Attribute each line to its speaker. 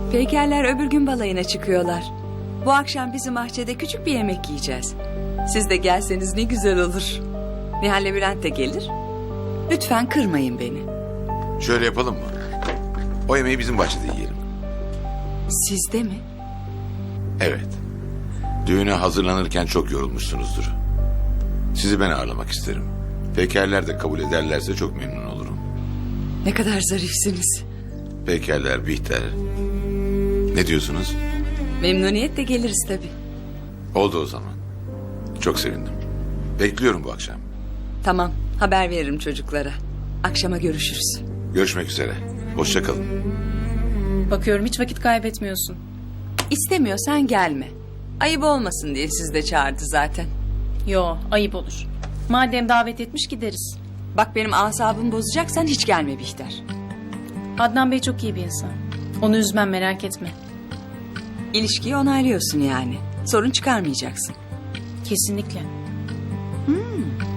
Speaker 1: Peykerler öbür gün balayına çıkıyorlar. Bu akşam bizim bahçede küçük bir yemek yiyeceğiz. Siz de gelseniz ne güzel olur. Nihal'le Bülent de gelir. Lütfen kırmayın beni.
Speaker 2: Şöyle yapalım mı? O yemeği bizim bahçede yiyelim.
Speaker 1: Siz de mi?
Speaker 2: Evet. Düğüne hazırlanırken çok yorulmuşsunuzdur. Sizi ben ağırlamak isterim. Pekerler de kabul ederlerse çok memnun olurum.
Speaker 1: Ne kadar zarifsiniz.
Speaker 2: Pekerler, Bihter. Ne diyorsunuz?
Speaker 1: Memnuniyetle geliriz tabii.
Speaker 2: Oldu o zaman. Çok sevindim. Bekliyorum bu akşam.
Speaker 1: Tamam, haber veririm çocuklara. Akşama görüşürüz.
Speaker 2: Görüşmek üzere. Hoşça kalın.
Speaker 3: Bakıyorum hiç vakit kaybetmiyorsun.
Speaker 1: İstemiyorsan gelme. Ayıp olmasın diye siz de çağırdı zaten.
Speaker 3: Yo, ayıp olur. Madem davet etmiş gideriz.
Speaker 1: Bak benim asabımı bozacaksan hiç gelme Bihter.
Speaker 3: Adnan Bey çok iyi bir insan. Onu üzmem, merak etme.
Speaker 1: İlişkiyi onaylıyorsun yani. Sorun çıkarmayacaksın.
Speaker 3: Kesinlikle.